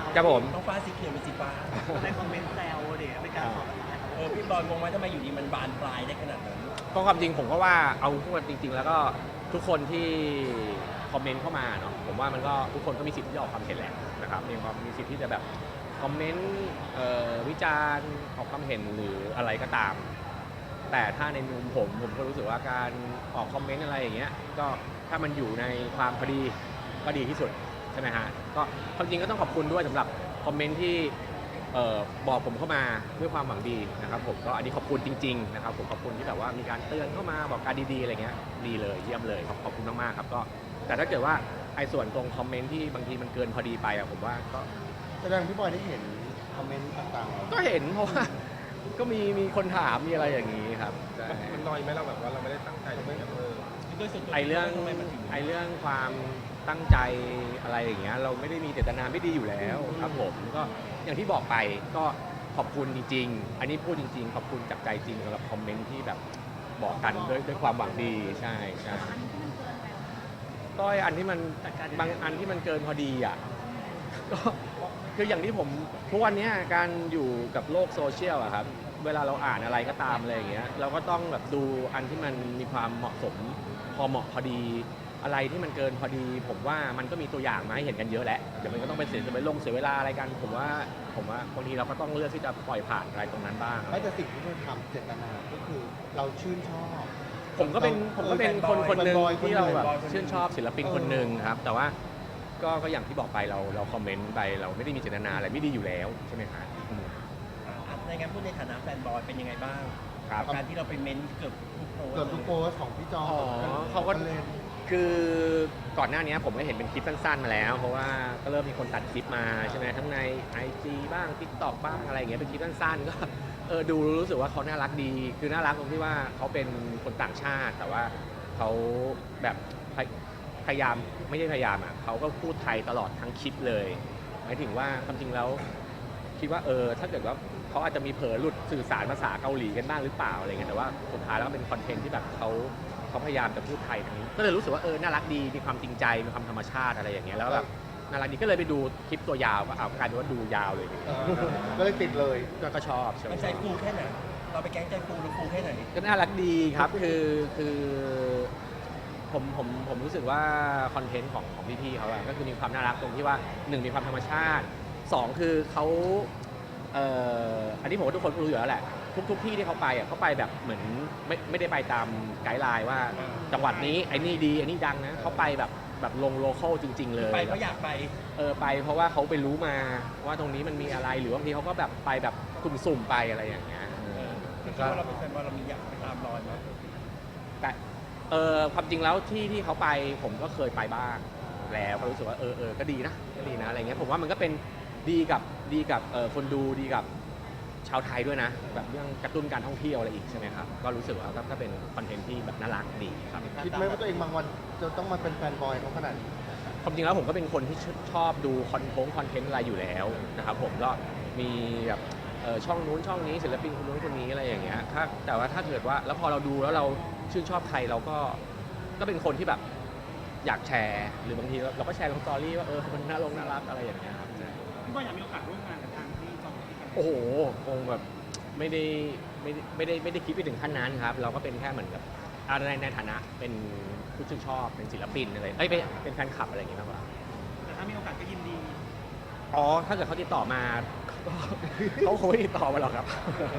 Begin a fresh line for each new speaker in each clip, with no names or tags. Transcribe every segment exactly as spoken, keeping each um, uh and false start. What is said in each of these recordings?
ครับผม
ต้องฟ้าสีเขียวเป็นสีฟ้า
ในคอมเมนต์แซวเด็กเป็นการสอน
เออพี่บอลงงไหมทำไมอยู่ดีมันบานปลายได้ขนาดนั้น
ก็ความจริงผมก็ว่าเอาพูดจริงๆแล้วก็ทุกคนที่คอมเมนต์เข้ามาเนาะผมว่ามันก็ทุกคนก็มีสิทธิ์ที่จะออกความเห็นแหละนะครับมีความมีสิทธิ์ที่จะแบบคอมเมนต์วิจารณ์ออกความเห็นหรืออะไรก็ตามแต่ถ้าในมุมผมผมก็รู้สึกว่าการออกคอมเมนต์อะไรอย่างเงี้ยก็ถ้ามันอยู่ในความพอดีก็ดีที่สุดใช่ไหมฮะก็ความจริงก็ต้องขอบคุณด้วยสำหรับคอมเมนต์ที่เอ่อบอกผมเข้ามาด้วยความหวังดีนะครับผมก็อันนี้ขอบคุณจริงๆนะครับผมขอบคุณที่แบบว่ามีการเตือนเข้ามาบอกการดีๆอะไรเงี้ยดีเลยเยี่ยมเลยขอบคุณมากๆครับก็แต่ถ้าเกิดว่าไอ้ส่วนตรงคอมเมนต์ที่บางทีมันเกินพอดีไปอะผมว่าก็
แสดงพี่บอยได้เห็นคอมเมนต์ต่างๆ
ก็เห็นเพราะว่าก็มีมีคนถามมีอะไรอย่างนี้ครับ
มันน้อยไหมเราแบบว่าเราไม่ได้ตั้งใจจะไม่แบบเออ
ไอเรื่องไอเรื่องความตั้งใจอะไรอย่างเงี้ยเราไม่ได้มีเจตนาไม่ดีอยู่แล้วครับผมก็อย่างที่บอกไปก็ขอบคุณจริงๆอันนี้พูดจริงๆขอบคุณจากใจจริงสำหรับคอมเมนต์ที่แบบบอกกันด้วยด้วยความหวังดีใช่ใช่ก็อันที่มันบางอันที่มันเกินพอดีอ่ะก็คืออย่างที่ผมทุกวันนี้การอยู่กับโลกโซเชียลอะครับเวลาเราอ่านอะไรก็ตามอะไรอย่างเงี้ยเราก็ต้องแบบดูอันที่มันมีความเหมาะสมพอเหมาะพอดีอะไรที่มันเกินพอดีผมว่ามันก็มีตัวอย่างมาให้เห็นกันเยอะแหละเดี๋ยวมันก็ต้องไปเสียจะไปลงเสียเวลาอะไรกันผมว่าผมว่าบางทีเราก็ต้องเลือกที่จะปล่อยผ่านอะไรตรงนั้นบ้าง
ไม่แต่สิ่งที่เราทำเจตนาก็คือเราชื่นชอบ
ผมก็เป็นผมก็เป็นคนคนหนึ่งที่เราแบบชื่นชอบศิลปินคนหนึ่งครับแต่ว่าก็ก็อย่างที่บอกไปเราเราคอมเมนต์ไปเราไม่ได้มีเจตนาอะไรไม่ดีอยู่แล้วใช่ไหมครับ
ในงั้นพูดในฐานะแฟนบอยเป็นยังไงบ้าง
ครับ
การที่เราไปเม้นเกือบทุกโพส
เกือบทุกโพสของพี่จอ
เขาก็คือก่อนหน้านี้ผมก็เห็นเป็นคลิปสั้นๆมาแล้วเพราะว่าก็เริ่มมีคนตัดคลิปมาใช่ไหมทั้งใน ไอ จี บ้าง ติ๊กต็อก บ้างอะไรอย่างเงี้ยเป็นคลิปสั้นๆก็เออดูรู้สึกว่าเขาน่ารักดีคือน่ารักตรงที่ว่าเขาเป็นคนต่างชาติแต่ว่าเขาแบบพยายามไม่ใช่พยายามอ่ะเขาก็พูดไทยตลอดทั้งคลิปเลยหมายถึงว่าความจริงแล้วคิดว่าเออถ้าเกิดว่าเขาอาจจะมีเผลอหลุดสื่อสารภาษาเกาหลีกันบ้างหรือเปล่าอะไรเงี้ยแต่ว่าสุดท้ายแล้วก็เป็นคอนเทนต์ที่แบบเขาเขาพยายามจะพูดไทยทั้งนี้ก็เลยรู้สึกว่าเออน่ารักดีมีความจริงใจมีความธรรมชาติอะไรอย่างเงี้ยแล้วแบบน่ารักดีก็เลยไปดูคลิปตัวยาวก็เอากลายเป็นว่าดูยาวเลย
ก็เลยติดเลย
ก็ชอบ
มันใจฟูแค่ไหนเราไปแก๊งใจฟูหรือฟูแค่ไหน
ก็น่ารักดีครับคือคือผมผมผมรู้สึกว่าคอนเทนต์ของของพี่ๆเขาอะก็คือมีความน่ารักตรงที่ว่าหนึ่งมีความธรรมชาติสองคือเขาเอ่ออันนี้ผมว่าทุกคนรู้อยู่แล้วแหละทุกๆที่ที่เขาไปอ่ะเขาไปแบบเหมือนไม่ไม่ได้ไปตามไกด์ไลน์ว่าจังหวัดนี้ไอ้นี่ดีไอ้นี่ดังนะเขาไปแบบแบบลงโลคอลจริงๆเลย
ไปเพราะอยากไป
เออไปเพราะว่าเขาไปรู้มาว่าตรงนี้มันมีอะไรหรือบางทีเขาก็แบบไปแบบสุ่มๆไปอะไรอย่างเงี้ย
คือว่าเราเป็นแฟนบอลเรามีอยากไปตามรอยมั้ย
แต่เออความจริงแล้วที่ที่เขาไปผมก็เคยไปบ้างแล้วก็รู้สึกว่าเออเออก็ดีนะก็ดีนะอะไรเงี้ยผมว่ามันก็เป็นดีกับดีกับเออคนดูดีกับชาวไทยด้วยนะแบบเรื่องกระตุ้นการท่องเที่ยวอะไรอีกใช่ไหมครับก็รู้สึกว่าก็เป็นคอนเทนต์ที่แบบน่ารักดีครับ
คิดไหมว่าตัวเองบางวันจะต้องมาเป็นแฟนบอยเขาขนาดนี้
ความจริงแล้วผมก็เป็นคนที่ชอบดูคอนเทนต์คอนเทนต์อะไรอยู่แล้วนะครับผมก็มีแบบช่องนู้นช่องนี้ศิลปินคนนู้นคนนี้อะไรอย่างเงี้ยถ้าแต่ว่าถ้าเกิดว่าแล้วพอเราดูแล้วเราชื่นชอบใครเราก็ก็เป็นคนที่แบบอยากแชร์หรือบางทีเราก็แชร์ลงสตอรี่ว่าเออมันน่าลงน่ารักอะไรอย่างเงี้ยครับ
พี่บอยอยากมีโอกาสร่วมงานกับทางที่จอม
โอ้โหคงแบบไม่ได้ไม่ได้ไม่ได้ไม่ได้คิดไปถึงขั้นนั้นครับเราก็เป็นแค่เหมือนกับอะไรในฐานะเป็นผู้ชื่นชอบเป็นศิลปินอะไรเอ้ยเป็นแฟนคลับอะไรอย่างเงี้ยมากกว่า
แต่ถ้ามีโอกาสก็ยินดี
อ๋อถ้าเกิดเขาติดต่อมาเขาคงไม่ติดต่อมาหรอกครับ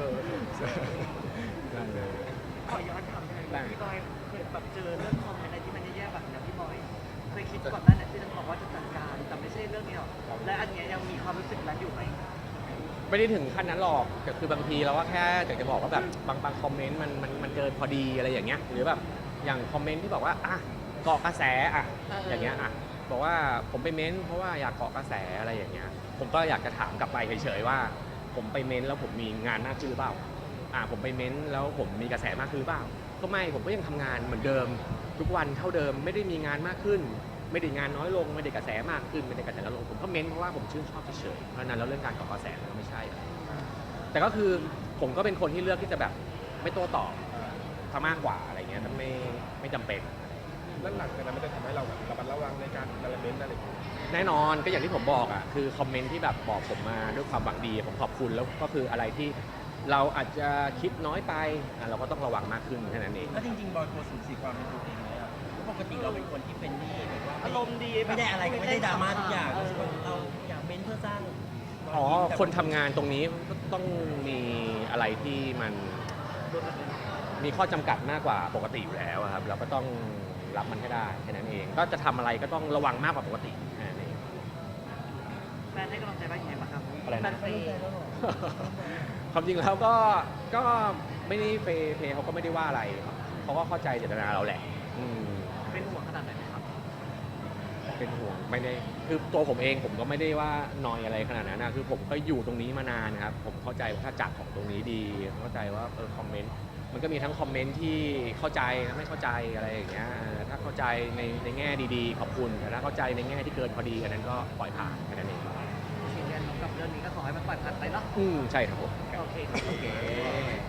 ได้เลยขอย้อนถามเลยพี่บอยเคยแบบเจอเรื่องคอมเมนต์อะไรที่มันแย่ๆแบบนี้พี่บอยเคยคิดก่อนหน้านั้นที่จะบอกว่าจะจัดการแต่ไม่ใช่เรื่องนี้หรอกและอันนี้ยังมีความรู้สึกนั้นอยู่ไหม
ไม่ได้ถึงขั้นนั้นหรอกแต่คือบางทีเราก็แค่อยากจะบอกว่าแบบบางบางคอมเมนต์มันมันมันเกินพอดีอะไรอย่างเงี้ยหรือแบบอย่างคอมเมนต์ที่บอกว่าอ่ะเกาะกระแสอ่ะอย่างเงี้ยอ่ะบอกว่าผมไปเม้นเพราะว่าอยากเกาะกระแสอะไรอย่างเงี้ยผมก็อยากจะถามกลับไปเฉยๆว่าผมไปเม้นแล้วผมมีงานมากขึ้นหรือเปล่าอ่ะผมไปเม้นแล้วผมมีกระแสมากขึ้นหรือเปล่าก็ไม่ผมก็ยังทำงานเหมือนเดิมทุกวันเท่าเดิมไม่ได้มีงานมากขึ้นไม่ได้งานน้อยลงไม่ได้กระแสมากขึ้นไม่ได้กระแสน้อยลงผมก็เม้นเพราะว่าผมชื่นชอบเฉยๆเพราะนั้นแล้วเรื่องการเกาะกระแสก็ไม่ใช่แต่ก็คือผมก็เป็นคนที่เลือกที่จะแบบไม่โต้ตอบถ้ามากกว่าอะไรเงี้ยถ้าไม่ไม่จำเป็น
แล้วหลังจากนั้นมันจะทำให้เราแบบระมัดระวังในการการเม้นอะไรอย่างเงี้ย
แน่นอนก็อย่างที่ผมบอกอ่ะคือคอมเมนต์ที่แบบบอกผมมาด้วยความหวังดีผมขอบคุณแล้วก็คืออะไรที่เราอาจจะคิดน้อยไปอ่ะเราก็ต้องระวังมากขึ้นแค่นั้นเอง
แล้วจริงๆบอยกลัวสูญเสียความเป็นตัวเองไหมอ่ะเพราะปกติเราเป็นคนที่เป็นนี่แบบว่า
อารมณ์ดี
ไม่ได้อะไรก็ไม่ได้ดราม่าทุกอย่าง
เออ
เราอยากเม้นเพื่อสร้าง
อ๋อคนทำงานตรงนี้ก็ต้องมีอะไรที่มันมีข้อจำกัดมากกว่าปกติอยู่แล้วอะครับเราก็ต้องรับมันให้ได้แค่นั้นเอง ก็จะทำอะไรก็ต้องระวังมากกว่าปกติแค่นั้นเอง
แฟนให้กำลังใจบ้างยังไงบ้างครับ
อะไรนะ
แฟนเฟย์
ความจริงแล้วก็ก็ไม่ได้เฟย์เพย์เขาก็ไม่ได้ว่าอะไรเขาก็เข้าใจเจตนาเราแหละอืม
เป็นห่วงขนาดไหนไหมครับ
เป็นห่วงไม่ได้คือตัวผมเองผมก็ไม่ได้ว่านอยอะไรขนาดนั้นนะคือผมก็อยู่ตรงนี้มานานนะครับผมเข้าใจว่าถ้าจักของตรงนี้ดีเข้าใจว่าเออคอมเมนต์มันก็มีทั้งคอมเมนต์ที่เข้าใจและไม่เข้าใจอะไรอย่างเงี้ยเออถ้าเข้าใจในในแง่ดีๆขอบคุณแต่ถ้าเข้าใจในแง่ที่เกินพอดีอันนั้นก็ปล่อยผ่านแค่นั้นเอง
ยืนยันกับเรื่องนี้ก็ขอให้มันปล่อยผ่านไปเนาะ
อืมใช่ครับผม
โอเคครับ
โอเค